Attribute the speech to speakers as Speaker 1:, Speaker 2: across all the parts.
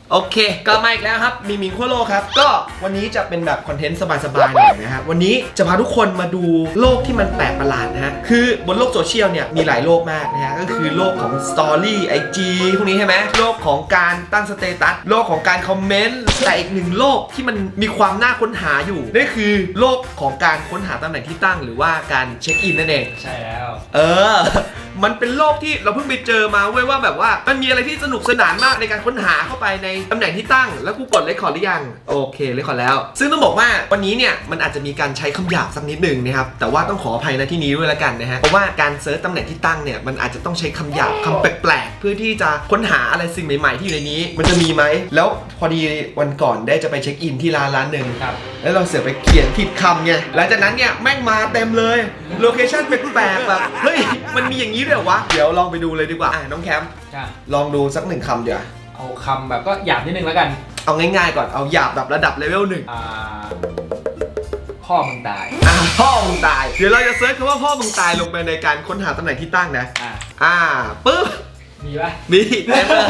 Speaker 1: โอเคกลับมาอีกแล้วครับมีมิงขั้วโลกครับก็วันนี้จะเป็นแบบคอนเทนต์สบายๆหน่อยนะครับวันนี้จะพาทุกคนมาดูโลกที่มันแปลกประหลาดนะฮะคือบนโลกโซเชียลเนี่ยมีหลายโลกมากนะฮะก็คือโลกของสตอรี่ไอจีพวกนี้ใช่ไหมโลกของการตั้งสเตตัสโลกของการคอมเมนต์แต่อีกหนึ่งโลกที่มันมีความน่าค้นหาอยู่นั่นคือโลกของการค้นหาตำแหน่งที่ตั้งหรือว่าการเช็คอินนั่นเอง
Speaker 2: ใช่แล้ว
Speaker 1: มันเป็นโลกที่เราเพิ่งไปเจอมาเว้ยว่าแบบว่ามันมีอะไรที่สนุกสนานมากในการค้นหาเข้าไปในตำแหน่งที่ตั้งแล้วกูกดเรคคอร์ดหรือยังโอเคเรคคอร์ดแล้วซึ่งต้องบอกว่าวันนี้เนี่ยมันอาจจะมีการใช้คำหยาบสักนิดหนึ่งนะครับแต่ว่าต้องขออภัยในที่นี้ด้วยละกันนะฮะเพราะว่าการเซิร์ชตำแหน่งที่ตั้งเนี่ยมันอาจจะต้องใช้คำหยาบคำแปลกๆเพื่อที่จะค้นหาอะไรสิ่งใหม่ๆที่อยู่ในนี้มันจะมีไหมแล้วพอดีวันก่อนได้จะไปเช็คอินที่ร้านหนึ่งแล้วเราเสือไปเขียนผิดคำไงหลังจากนั้นเนี่ยแม่งมาเต็มเลยโลเคชั่นแปลกๆแบบเฮ้ยมันมีอย่างนี้ด้วยเหรอวะเดี๋ยวลองไปดูเลยดีกว่าน้องแคมป์ลองดูสักหนึ่งคำเดี๋ยว
Speaker 2: เอาคำแบบก็หยาบนิดนึงแล้วกัน
Speaker 1: เอาง่ายๆก่อนเอาหยาบแบบระดับเลเวลหนึ่ง
Speaker 2: พ่อมึงตาย
Speaker 1: พ่อมึงตายเดี๋ยวเราจะเซิร์ชคำว่าพ่อมึงตายลงไปในการค้นหาตำแหน่งที่ตั้งนะปึ๊บ
Speaker 2: มีปะ
Speaker 1: มีเต็มเลย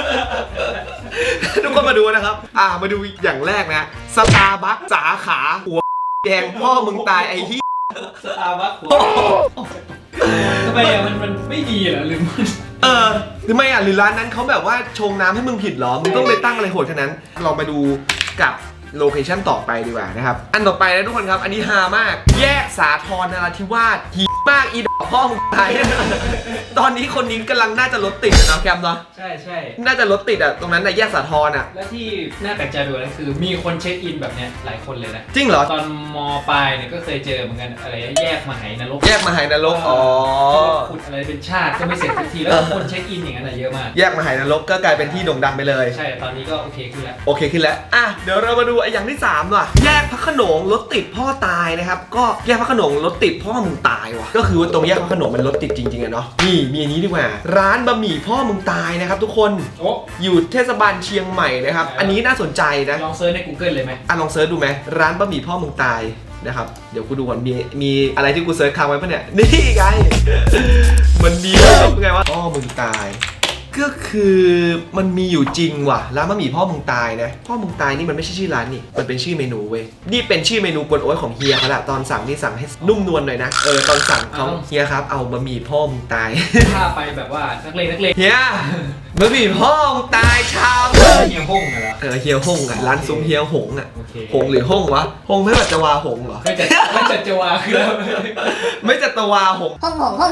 Speaker 1: ทุกคนมาดูนะครับมาดูอย่างแรกนะสตาร์บัคสาขาหัวแดงพ่อมึงตายไอ้ที่
Speaker 2: สตาร์บัคทำไมมันไม่ดีเหรอหรือมัน
Speaker 1: หรือไม่หรือร้านนั้นเขาแบบว่าชงน้ำให้มึงผิดเหรอมึงต้องไปตั้งอะไรโหดขนาดนั้นลองไปดูกับโลเคชั่นต่อไปดีกว่านะครับอันต่อไปนะทุกคนครับอันนี้ฮามากแยกสาทรนราธิวาสฮีมากอีดอกพ่อมึงตายตอนนี้คนนี้กำลังน่าจะรถติดนะแคมป์เนาะ
Speaker 2: ใช่
Speaker 1: น่าจะรถติดตรงนั้นแยกสาทร
Speaker 2: และที่น่าแปลกใจดูนั่นคือมีคนเช็คอินแบบเนี้ยหลายคนเลยนะ
Speaker 1: จริงเหรอ
Speaker 2: ตอนม.ปลายเนี่ยก็เคยเจอเหมือนกันอะไรแยกมหานรก
Speaker 1: แยกมหานรก
Speaker 2: ขุดอะไรเป็นชาติก็ไม่เสร็จสักทีแล้วคนเช็คอินอย่างนั้นเยอะมาก
Speaker 1: แยกมหานรกก็กลายเป็นที่โด่งดังไปเลย
Speaker 2: ใช่ตอนนี้ก็โอเคขึ้นแล้ว
Speaker 1: เดี๋ยวเรามาดูอย่างที่3ว่ะแยกพระโขนงรถติดพ่อตายนะครับก็แยกพระโขนงรถติดพ่อมึงตายว่ะก็คือว่าตรงแยกพระโขนงมันรถติดจริงๆอะเนาะนี่มีอันนี้ดีกว่าร้านบะหมี่พ่อมึงตายนะครับทุกคนอยู่เทศบาลเชียงใหม่นะครับอันนี้น่าสนใจนะ
Speaker 2: ลองเซิร์ชใน Google เลยไหม
Speaker 1: ลองเซิร์ชดูไหมร้านบะหมี่พ่อมึงตายนะครับเดี๋ยวกูดูก่อนมีอะไรที่กูเซิร์ชค้างไว้ปะเนี่ยนี่ไงมันมีไงวะพ่อมึงตายก็คือมันมีอยู่จริงว่ะร้านบะหมี่พ่อมึงตายนะพ่อมึงตายนี่มันไม่ใช่ชื่อร้านนี่มันเป็นชื่อเมนูเว้ยนี่เป็นชื่อเมนูกวนโอ๊ยของเฮียเขาแหละตอนสั่งนี่สั่งให้นุ่มนวลหน่อยนะตอนสั่งเขาเฮียครับเอาบะหมี่พ่อมึงตาย
Speaker 2: ถ้าไปแบบว่านักเลง
Speaker 1: เฮียบะหมี่พ่อมึงตายชาม
Speaker 2: เฮียฮ่งเหรอ
Speaker 1: เฮียฮ่งร้านซุ้มเฮียหงหงหรือฮ่งวะหงไม่แบบจะวาหงเหรอ
Speaker 2: ไม่จัดจะวาคือ
Speaker 1: ไม่จัดตะวาหง
Speaker 3: ฮ่ง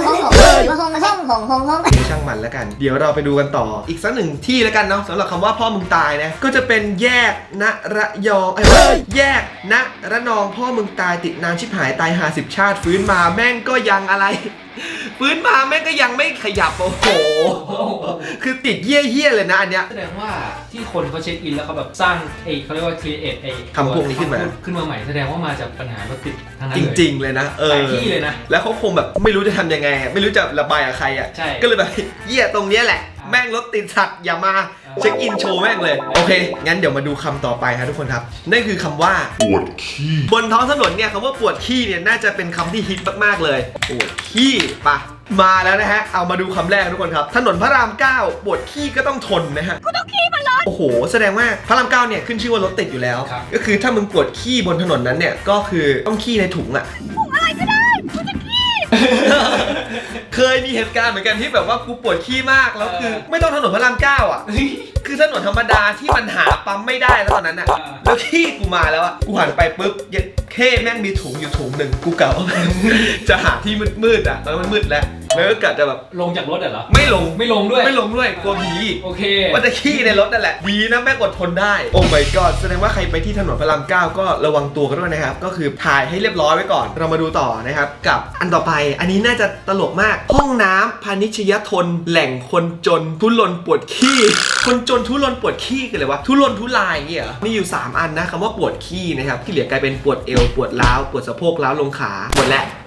Speaker 1: ช่างมันแล้วกันเดี๋ยวเราไปดูกันต่ออีกสักหนึ่งที่แล้วกันเนาะสำหรับคำว่าพ่อมึงตายนะก็จะเป็นแยกณระยองแยกณระนองพ่อมึงตายติดนานชิบหายตาย50 ชาติฟื้นมาแม่งก็ยังอะไรฟื้นมาแม่งก็ยังไม่ขยับโอ้โหคือติดเยี่ยเลยนะอันเนี้ย
Speaker 2: แสดงว่าที่คนเขาเช็คอินแล้วเขาแบบสร้างเขาเรียกว่า create
Speaker 1: คำพวกนี้ขึ้น
Speaker 2: มาใหม่แสดงว่ามาจากปัญหารถติดทั้งนั้น
Speaker 1: จริงๆเลยนะ
Speaker 2: หลายที่เลยนะ
Speaker 1: แล้วเขาคงแบบไม่รู้จะทำยังไงไม่รู้จะระบายกับใครอ่ะก็เลยแบบเยี่ยตรงเนี้ยแหละแม่งรถติดสัตว์อย่ามาเช็คอินโชว์แม่งเลยโอเคงั้นเดี๋ยวมาดูคำต่อไปครับทุกคนครับนั่นคือคำว่า
Speaker 4: ปวดขี้
Speaker 1: บนท้องถนนเนี่ยคำว่าปวดขี้เนี่ยน่าจะเป็นคำที่ฮิตมากๆเลยปวดขี้ปะมาแล้วนะฮะเอามาดูคำแรกทุกคนครับถนนพระราม 9ปวดขี้ก็ต้องทนนะฮะ
Speaker 3: กูต้องขี้มันร้อน
Speaker 1: โอ้โหแสดงว่าพระราม 9เนี่ยขึ้นชื่อว่ารถติดอยู่แล้วก็คือถ้ามึงปวดขี้บนถนนนั้นเนี่ยก็คือต้องขี้ในถุงอะ
Speaker 3: ถุงอะไรก็ได้กูจะขี้
Speaker 1: เคยมีเหตุการณ์เหมือนกันที่แบบว่ากูปวดขี้มากแล้วคือไม่ต้องถนนพระราม 9อ่ะคือถนนธรรมดาที่มันหาปั๊มไม่ได้แล้วตอนนั้นอ่ะแล้วขี้กูมาแล้วอ่ะกูหันไปปุ๊บแม่งมีถุงอยู่ถุงหนึ่งกูเก่าจะหาที่มืดอ่ะตอนนั้นมันมืดแล้วก็กะจะแบบ
Speaker 2: ลงจากรถเหรอ
Speaker 1: ไม่ลงด้วยกลัวผี
Speaker 2: โอเค
Speaker 1: ว่าจะขี้ในรถนั่นแหละดีนะแม่งอดทนได้โอ้ my god แสดงว่าใครไปที่ถนนพระราม 9ก็ระวังตัวกันด้วยนะครับก็คือถ่ายให้เรียบร้อยไว้ก่อนเรามาดูต่อนะครับกับอันต่อไปอันนี้น่าจะตลกมากห้องน้ำพาณิชยทนแหล่งคนจนทุรนปวดขี้คนจนทุรนปวดขี้กันเลยวะทุรนทุรายอย่างเงี้ยมีอยู่3อันนะคำว่าปวดขี้นะครับที่เหลือกลายเป็นปวดเอวปวดร้าวปวดสะโพกร้าวลงขาหมดแล้ว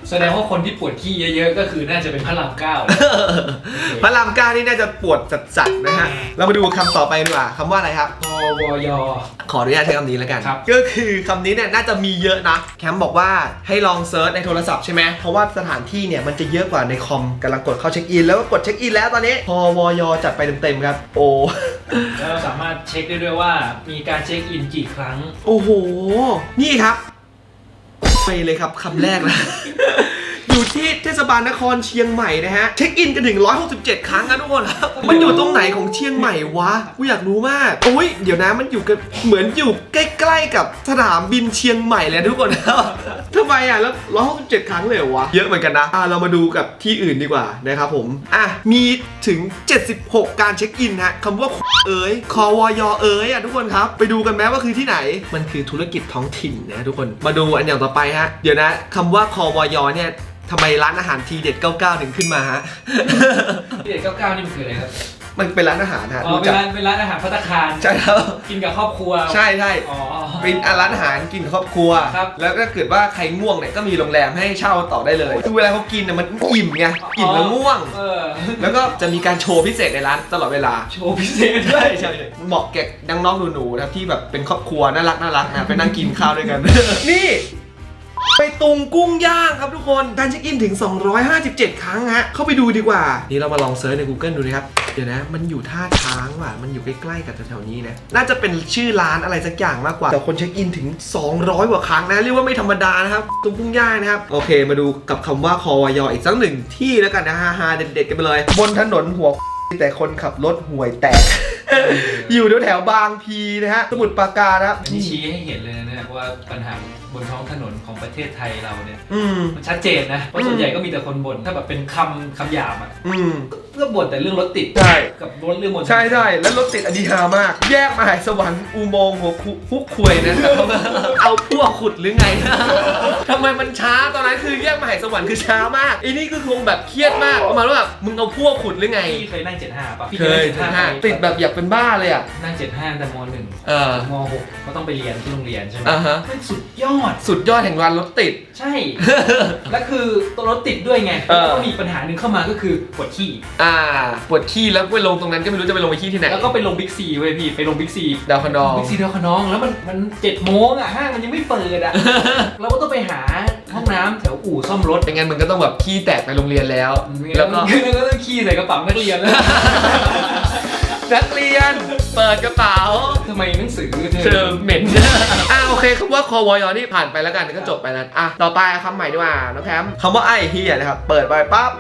Speaker 2: แสดงว่าคนที่ปวดขี้เยอะๆก็คือน่าจะเป็นพระรามเก้า
Speaker 1: พระรามเก้านี่น่าจะปวดจัดๆนะฮะเรามาดูคำต่อไปดีกว่าคำว่าอะไรครับ
Speaker 2: พวย
Speaker 1: ขออนุญาตใช้คำนี้แล้วกัน
Speaker 2: ครับ
Speaker 1: ก็คือคำนี้เนี่ยน่าจะมีเยอะนะแคมป์บอกว่าให้ลองเซิร์ชในโทรศัพท์ใช่ไหมเพราะว่าสถานที่เนี่ยมันจะเยอะกว่าในคอมกำลังกดเข้าเช็คอินแล้วก็กดเช็คอินแล้วตอนนี้พวยจัดไปเต็มๆครับโอ้
Speaker 2: แล้วเราสามารถเช็คได้ด้วยว่ามีการเช็คอินกี่ครั้ง
Speaker 1: โอ้โหนี่ครับไปเลยครับคำแรกนะ อยู่ที่เทศบาลนครเชียงใหม่นะฮะเช็คอินกันถึง167 ครั้งนะทุกคนครับมันอยู่ตรงไหนของเชียงใหม่วะกูอยากรู้มากโอ้ยเดี๋ยวนะมันอยู่กันเหมือนอยู่ใกล้ๆกับสนามบินเชียงใหม่เลยทุกคนครับทำไมอ่ะแล้ว167 ครั้งเลยเหรอวะเยอะเหมือนกันนะเรามาดูกับที่อื่นดีกว่านะครับผมมีถึง76การเช็คอินฮะคำว่าเอ๋ยควยเอ๋ยทุกคนครับไปดูกันไหมว่าคือที่ไหนมันคือธุรกิจท้องถิ่นนะทุกคนมาดูอันอย่างต่อไปฮะเดี๋ยวนะคำว่าควยเนี่ยทำไมร้านอาหารทีเด็ด 99 ถึงขึ้นมาฮะ
Speaker 2: ที่เด็ด99นี่มันคืออะไรครับ
Speaker 1: มันเป็นร้านอาหารฮะ
Speaker 2: อ๋อเป็นร้านอาหารภัตตาคาร
Speaker 1: ใช่ครับ
Speaker 2: กินกับครอบครัว
Speaker 1: ใช่ใช่
Speaker 2: อ๋อ
Speaker 1: เป็นร้านอาหารกินกับครอบครัว
Speaker 2: ครับ
Speaker 1: แล้วถ้าเกิดว่าใครง่วงเนี่ยก็มีโรงแรมให้เช่าต่อได้เลยคือเวลาเขากินเนี่ยมันอิ่มไงอิ่มแล้วง่วง แล้วก็จะมีการโชว์พิเศษในร้านตลอดเวลา
Speaker 2: โชว์พิเศษด้วย
Speaker 1: ใช่เหมาะแก่น้องๆหนูๆนะครับที่แบบเป็นครอบครัวน่ารักนะไปนั่งกินข้าวด้วยกัน นี่ไปตุงกุ้งย่างครับทุกคนการเช็คอินถึง257 ครั้งฮะเข้าไปดูดีกว่านี่เรามาลองเซิร์ชใน Google ดูนะครับเดี๋ยวนะมันอยู่ท่าช้างว่ะมันอยู่ใกล้ๆกับแถวๆนี้นะน่าจะเป็นชื่อร้านอะไรสักอย่างมากกว่าแต่คนเช็คอินถึง200 กว่าครั้งนะเรียกว่าไม่ธรรมดานะครับตุงกุ้งย่างนะครับโอเคมาดูกับคำว่าควยอีกสักหนึ่งที่แล้วกันนะฮาๆเด็ดๆกันไปเลยบนถนนหัวแต่คนขับรถห่วยแตก อยู่แถวๆบางพีนะฮะสมุทรปราการนะครับ
Speaker 2: อันนี้ชี้ให้เห็นเลยนะเนี่ยว่าปัญหาบนท้องถนนของประเทศไทยเราเนี่ยมันชัดเจนนะเพราะส่วนใหญ่ก็มีแต่คนบ่นถ้าแบบเป็นคำหยาบอ่ะก็บ่นแต่เรื่องรถติด
Speaker 1: ใช่
Speaker 2: กับรถเรื่องบน
Speaker 1: ใช่แล้วรถติดอดีฮามาก แยกมหาสวรรค์อุโมงค์หัวคุกควยนะ เอาพวกขุดหรือไง ทำไมมันช้าตอนนั้นคือแยกมหาสวรรค์คือช้ามากไอ้นี่คือคงแบบเครียดมากประมาณว่าแบบมึงเอาพวกขุดหรือไง
Speaker 2: พี่เคยนั่ง75ป่ะพี่
Speaker 1: เคยติดแบบอยากเป็นบ้าเลยอ่ะ
Speaker 2: นั่ง75แต่ม.1 ม.6ก็ต้องไปเรียนที่โรงเรียนใช่ไหม
Speaker 1: ฮะ
Speaker 2: มันสุดยอด
Speaker 1: สุดยอดแห่งวันรถติด
Speaker 2: ใช่ แล้วคือตัวรถติดด้วยไงแล้วก็มีปัญหาหนึ่งเข้ามาก็คือปวดขี้
Speaker 1: ปวดขี้แล้วไปลงตรงนั้นก็ไม่รู้จะไปลงไปขี้ที่ไหน
Speaker 2: แล้วก็ไปลงบิ๊กซีเว้ยพี่ไปลงบิ๊กซี
Speaker 1: ดาวคะนอง
Speaker 2: บิ๊กซีดาวคะนองแล้วมัน7 โมงอ่ะห้างมันยังไม่เปิดอ่ะ เราก็ต้องไปหาห้องน้ำแถวอู่ซ่อมรถ
Speaker 1: ไม่งั้นมึงก็ต้องแบบขี้แตกไปโรงเรียนแล้ว
Speaker 2: แล้วก็ต้องขี้ใส่กระเป๋านักเรียนแล้ว
Speaker 1: นักเรียนเปิดกระเป๋า
Speaker 2: ทำไมหนังสือ
Speaker 1: เธอเหม็น โอเคคำว่าควยนี่ผ่านไปแล้วกันก็จบไปแล้วต่อไปคำใหม่ดีกว่าน้องแคมคำว่าไอ้เฮียนะครับเปิดไปปั๊บ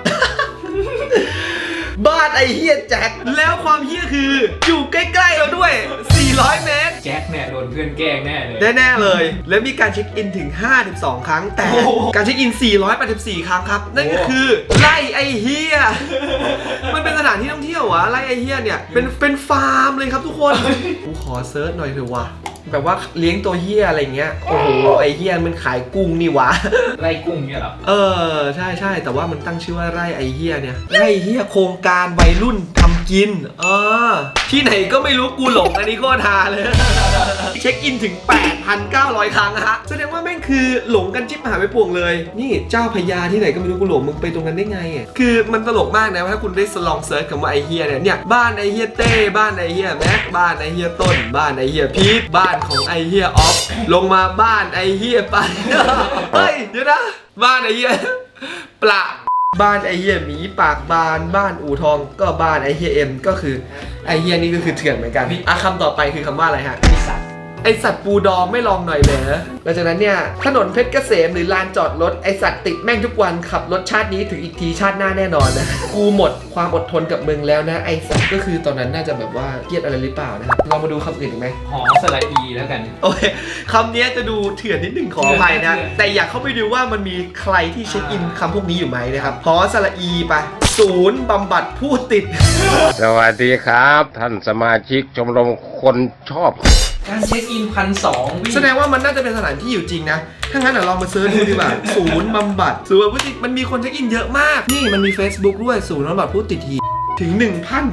Speaker 1: บ้านไอ้เฮียแจ็คแล้วความเฮียคืออยู่ใกล้ๆเราด้วย400 เมตร
Speaker 2: แจ็คเนี่ยโดนเพื่อนแกล้งแน่เลย
Speaker 1: แน่ๆเลย แล้วมีการเช็คอินถึง52 ครั้งแต่การเช็คอิน484 ครั้งครับนั่นก็คือไล่ไอ้เฮียมันเป็นสถานที่ท่องเที่ยววะไล่ไอ้เฮียเนี่ยเป็นฟาร์มเลยครับทุกคนกูขอเซิร์ชหน่อยเถอะวะแบบว่าเลี้ยงตัวเฮียอะไรเงี้ยโอ้โหไอ้เฮียมันขายกุ้งนี่วะ
Speaker 2: ไล่กุ้งเนี่ยเหรอ
Speaker 1: ใช่แต่ว่ามันตั้งชื่อว่าไร่ไอเฮียเนี่ยไร่เฮียโครงการวัยรุ่นทำกินที่ไหนก็ไม่รู้กูหลงอันนี้โคตรฮาเลย เช็คอินถึง 8,900 ครั้งฮะแสดงว่าแม่งคือหลงกันจิ๊บหายไปป่วงเลยนี่เจ้าพญาที่ไหนก็ไม่รู้กูหลงมึงไปตรงนั้นได้ไงอ่ะคือมันตลกมากนะว่าถ้าคุณได้ลองเซิร์ชคำว่าไอเฮียเนี่ยบ้านไอเฮียเต้บ้านไอเฮียแม็กบ้านไอเฮียต้นบ้านไอเฮียพีทบ้านของไอเฮียออฟลงมาบ้านไอเฮียไป เฮ้ยเดี๋ยวนะบ้านไอเฮียปลาบ้านไอเฮียหมีปากบานบ้านอู่ทองก็บ้านไอเฮียเอ็มก็คือไอเฮียนี่ก็คือเถื่อนเหมือนกันคำต่อไปคือคำว่าอะไรฮะไอสัตว์ปูดองไม่ลองหน่อยเหรอหลังจากนั้นเนี่ยถนนเพชรเกษมหรือลานจอดรถไอสัตว์ติดแม่งทุกวันขับรถชาตินี้ถึงอีกทีชาติหน้าแน่นอนนะกูหมดความอดทนกับมึงแล้วนะไอสัตว์ก็คือตอนนั้นน่าจะแบบว่าเครียดอะไรหรือเปล่านะครับเรามาดูคำอื่นอีกไหม
Speaker 2: หอสระอีแล้วกัน
Speaker 1: โอเคคำนี้จะดูเถื่อนนิดหนึ่งขออภัยนะแต่อยากเข้าไปดูว่ามันมีใครที่เช็คอินคำพวกนี้อยู่ไหมนะครับหอสระอีไปศูนย์บำบัดผู้ติด
Speaker 4: สวัสดีครับ ท่านสมาชิกชมรมคนชอบ
Speaker 2: การเช็คอิน1,200
Speaker 1: แสดงว่ามันน่าจะเป็นสถานที่อยู่จริงนะถ้างั้นเดี๋ยวลองมาเซิร์ชดูดีกว่า ศูนย์บำบัดศูนย์บำบัดผู้ติดมันมีคนเช็คอินเยอะมากนี่มันมี Facebook ด้วยศูนย์บำบัดผู้ติดทีถึง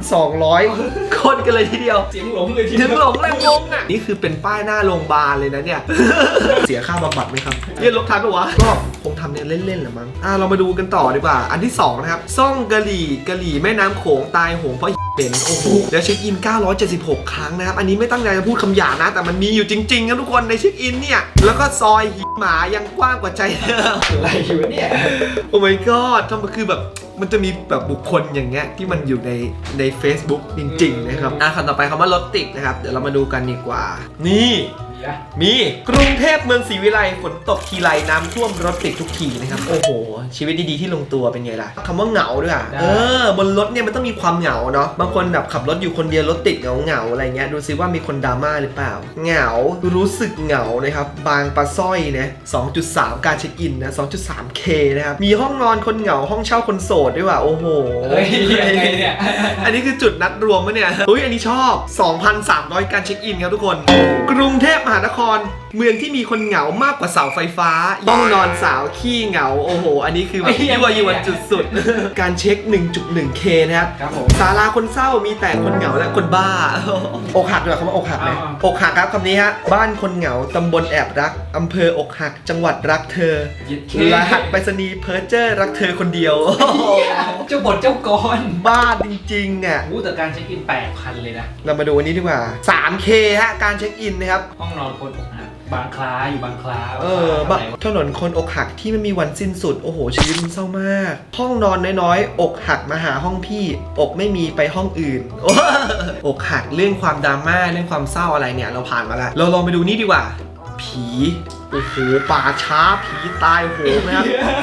Speaker 1: 1,200 คนกันเลยทีเดียว
Speaker 2: เสียงหลงเลยที
Speaker 1: ถึ
Speaker 2: เดียว
Speaker 1: งหลงเลยงงอ่ะนี่คือเป็นป้ายหน้าโรงพยาบาลเลยนะเนี่ย เสียค่าบำบัดไหมครับเรียนลบทันปะวะก็คงทำเนี่ยเล่นๆแหละมั้งเรามาดูกันต่อดีกว่าอันที่2นะครับซ่องกะหรี่แม่น้ำโขงตายโหงเพราะเป็นโอ้โหแล้วเช็คอิน976 ครั้งนะครับอันนี้ไม่ตั้งใจจะพูดคำหยาบนะแต่มันมีอยู่จริงๆครับทุกคนในเช็คอินเนี่ยแล้วก็ซอยหมายังกว้างกว่าใจเธอ
Speaker 2: อะไรอยู่เนี่ย
Speaker 1: โอ้ my god ทำไมคือแบบมันจะมีแบบบุคคลอย่างเงี้ยที่มันอยู่ใน Facebook จริงๆนะครับคำต่อไปคำว่ารถติดนะครับเดี๋ยวเรามาดูกันดีกว่านี่มีกรุงเทพเมืองศรีวิไลฝนตกทีไรน้ำท่วมรถติดทุกทีนะครับโอ้โหชีวิตดีๆที่ลงตัวเป็นไงล่ะคำว่าเหงาด้วยบนรถเนี่ยมันต้องมีความเหงาเนาะบางคนแบบขับรถอยู่คนเดียวรถติดเหงาอะไรเงี้ยดูซิว่ามีคนดราม่าหรือเปล่าเหงารู้สึกเหงานะครับบางปลาสร้อยนะ 2.3 การเช็คอินนะ 2.3K นะครับมีห้องนอนคนเหงาห้องเช่าคนโสดด้วยว่ะโอ้โห
Speaker 2: เฮ้ยยังไงเนี่ย
Speaker 1: อันนี้คือจุดนัดรวมปะเนี่ยเฮ้ยอันนี้ชอบ 2,300 การเช็คอินครับทุกคนกรุงเทพมหานครเมืองที่มีคนเหงามากกว่าเสาไฟฟ้าห้องนอนสาวขี้เหงาโอ้โหอันนี้คือแบบยั่วยวนจุดสุดการเช็ค 1.1K นะครับ
Speaker 2: ครับผม
Speaker 1: ศาลาคนเศร้ามีแต่คนเหงาและคนบ้าอกหักด้วยคำว่าอกหักไหมอกหักครับคำนี้ฮะบ้านคนเหงาตำบลแอบรักอำเภออกหักจังหวัดรักเธอรหัสไปรษณีย์เพอร์เจอร์รักเธอคนเดียว
Speaker 2: เจ้าบทเจ้ากร
Speaker 1: บ้าจริงๆอ่ะ
Speaker 2: แต่การเช็คอิน8,000เลยนะ
Speaker 1: เรามาดูอันนี้ดีกว่า 3K ฮะการเช็คอินนะครับ
Speaker 2: ห้องนอนคนอกหักบางคล้าอยู่บางคล้า
Speaker 1: ถนนคนอกหักที่ไม่มีวันสิ้นสุดโอ้โหชีวิตมันเศร้ามากห้องนอนน้อยๆอกหักมาหาห้องพี่อกไม่มีไปห้องอื่น อกหักเรื่องความดราม่าเรื่องความเศร้าอะไรเนี่ยเราผ่านมาแล้วเราลองไปดูนี่ดีกว่าผีโอ้โหป่าช้าผีตายโหงนะครับ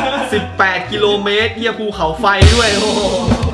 Speaker 1: 18 กิโลเมตรเหี้ยภูเขาไฟด้วยโอ้โห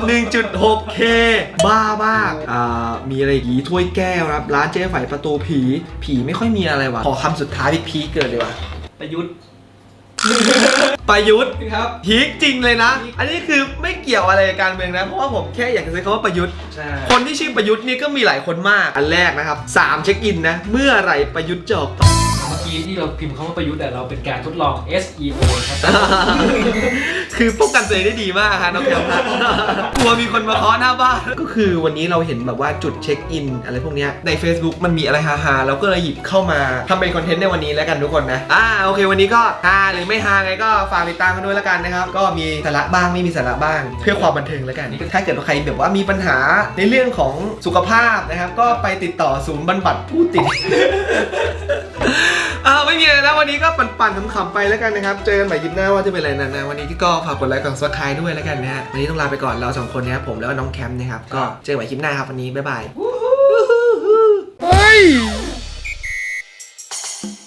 Speaker 1: 1.6K บ้ามากมีอะไรอีกถ้วยแก้วครับร้านเจ๊ไฝประตูผีไม่ค่อยมีอะไรว่ะขอคำสุดท้ายพีคเกิดเลยว่ะ
Speaker 2: ประยุทธ์
Speaker 1: ประยุทธ์
Speaker 2: ครับ
Speaker 1: พีคจริงเลยนะ อันนี้คือไม่เกี่ยวอะไรกับการเมืองนะเพราะว่าผมแค่อยากจะใช้คำว่าประยุทธ์
Speaker 2: ใช่
Speaker 1: คนที่ชื่อประยุทธ์นี่ก็มีหลายคนมากอันแรกนะครับ3เช็คอินนะเมื่อไหร่ประยุทธ์จะออก
Speaker 2: เมื่อกี้ที่เราพิมพ์คำว่าประยุทธ์แต่เราเป็นการทดลอง SEO ครับ
Speaker 1: คือป้องกันตัวเองได้ดีมากฮะน้องแคมป์นะกลัวมีคนมาเคาะหน้าบ้านก็คือวันนี้เราเห็นแบบว่าจุดเช็คอินอะไรพวกเนี้ยใน Facebook มันมีอะไรฮาๆเราก็เลยหยิบเข้ามาทำเป็นคอนเทนต์ในวันนี้แล้วกันทุกคนนะโอเควันนี้ก็ฮาหรือไม่ฮาไงก็ฝากติดตามกันด้วยแล้วกันนะครับก็มีสาระบ้างไม่มีสาระบ้างเพื่อความบันเทิงแล้วกันถ้าเกิดว่าใครแบบว่ามีปัญหาในเรื่องของสุขภาพนะครับก็ไปติดต่อศูนย์บำบัดผู้ติด ไม่มีอะไรแล้ววันนี้ก็ปั่นๆขำๆไปแล้วกันนะครับเจอกันใหม่คลิปหน้าว่าจะเป็นอะไรนะวันนี้ที่ก็ฝากกดไลค์กด Subscribe ด้วยแล้วกันนะฮะวันนี้ต้องลาไปก่อนเรา2คนนะครับผมแล้วก็น้องแคมป์นะครับก็เจอกันใหม่คลิปหน้าครับวันนี้บ๊ายบาย